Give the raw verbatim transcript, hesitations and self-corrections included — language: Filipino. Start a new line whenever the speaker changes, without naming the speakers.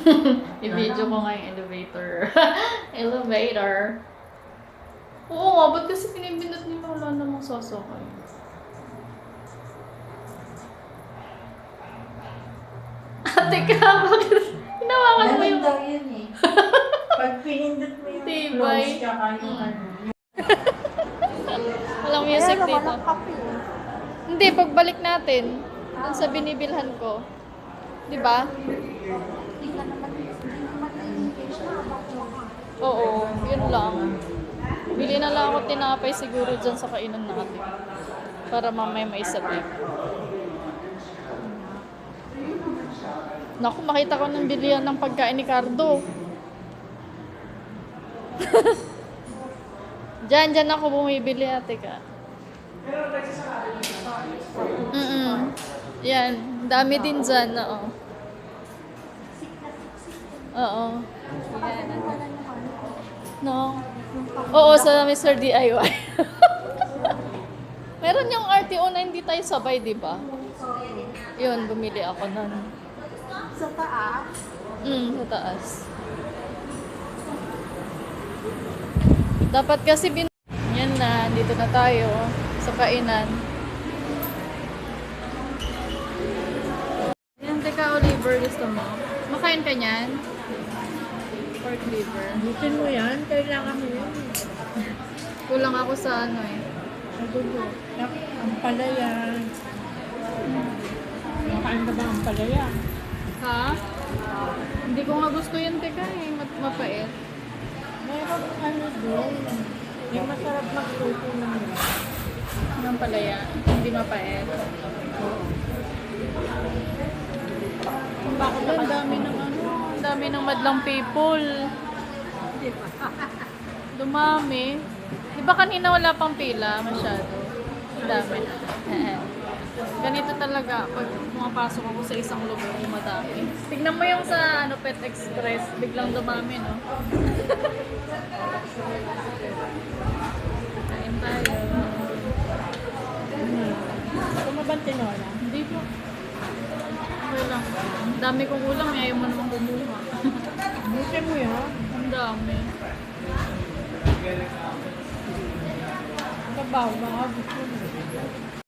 I-video ko nga yung elevator. Elevator. Oo nga, ba't kasi pinipindot nila wala namang sasakay? Ate ka, bakit hinawakan mo
Ganun
yung...
daw yun eh. Pag pinindot mo yung
Tibay.
close tsaka yung
Mm.
ano.
Walang music
Pero
dito.
walang kape.
Hindi, pagbalik natin, dun sa binibilhan ko. Di ba?
Hindi ka naman, hindi naman na-engage na habang kumakain.
Oo, yun lang. Bili na lang ako tinapay siguro dyan sa kainan natin. Para mamaya maisabay. Naku, makita ko ng bilihan ng pagkain ni Cardo. Diyan, diyan ako bumibili, ate ka. Mm-mm. Yan, dami din dyan, oo. Oo. Yan. No? Oo, sa mister D I Y. Meron yung R T O na hindi tayo sabay, di ba? Yun, bumili ako nun.
Sa taas,
Mm, sa taas. Dapat kasi bin... Yan na, dito na tayo sa kainan. Yan, teka, Oliver, gusto mo? Makain ka niyan? Pork liver.
Butin mo yan, kailangan mo yun.
Kulang ako sa ano eh.
Nagulo. Ang palaya. Makain ka ba ang palaya?
Ha? Hindi ko nga gusto yun, teka eh. Mat- mapait.
Mayroon ano doon. Yung masarap magluto ng
Ng palaya. Hindi mapait.
Bakit
Ang dami ng ano, ang dami ng madlang people. Dumami. Di ba kanina wala pang pila masyado? Ang dami. Ganito talaga pag pumapasok ako sa isang lugar yung madami. Tignan mo yung sa ano Pet Express, biglang dumami, no? Kain tayo.
Kumabang tinola.
Hindi po. Okay lang. Ang dami kong ulam, eh. Ayaw mo naman kumuha.
Butin mo yan.
Ang dami.
Kabaw, baka gusto mo.